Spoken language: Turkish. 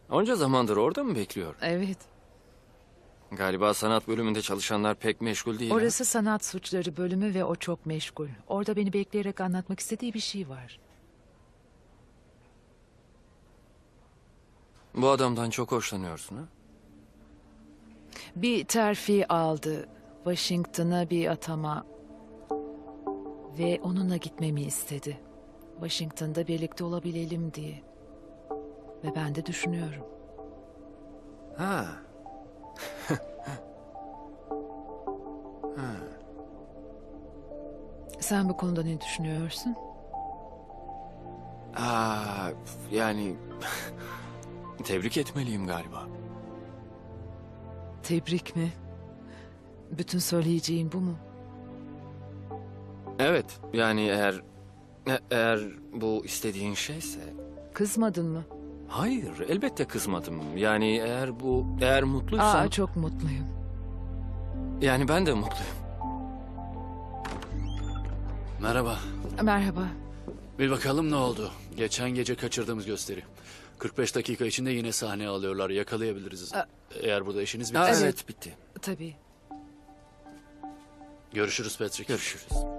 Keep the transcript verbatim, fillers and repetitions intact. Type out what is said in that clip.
Onca zamandır orada mı bekliyor? Evet. Galiba sanat bölümünde çalışanlar pek meşgul değil. ha? Orası sanat suçları bölümü ve o çok meşgul. Orada beni bekleyerek anlatmak istediği bir şey var. Bu adamdan çok hoşlanıyorsun ha? Bir terfi aldı. Washington'a bir atama. Ve onunla gitmemi istedi. Washington'da birlikte olabilelim diye. Ve ben de düşünüyorum. Ha. Sen bu konuda ne düşünüyorsun? Aa, yani tebrik etmeliyim galiba. Tebrik mi? Bütün söyleyeceğin bu mu? Evet, yani eğer e- eğer bu istediğin şeyse. Kızmadın mı? Hayır, elbette kızmadım. Yani eğer bu eğer mutluysan. Aa, çok mutluyum. Yani ben de mutluyum. Merhaba. Merhaba. Bir bakalım ne oldu? Geçen gece kaçırdığımız gösteri. kırk beş dakika içinde yine sahneye alıyorlar. Yakalayabiliriz. A- Eğer burada işiniz Aa, bittiyse. evet, bitti. Tabii. Görüşürüz Patrick. Görüşürüz.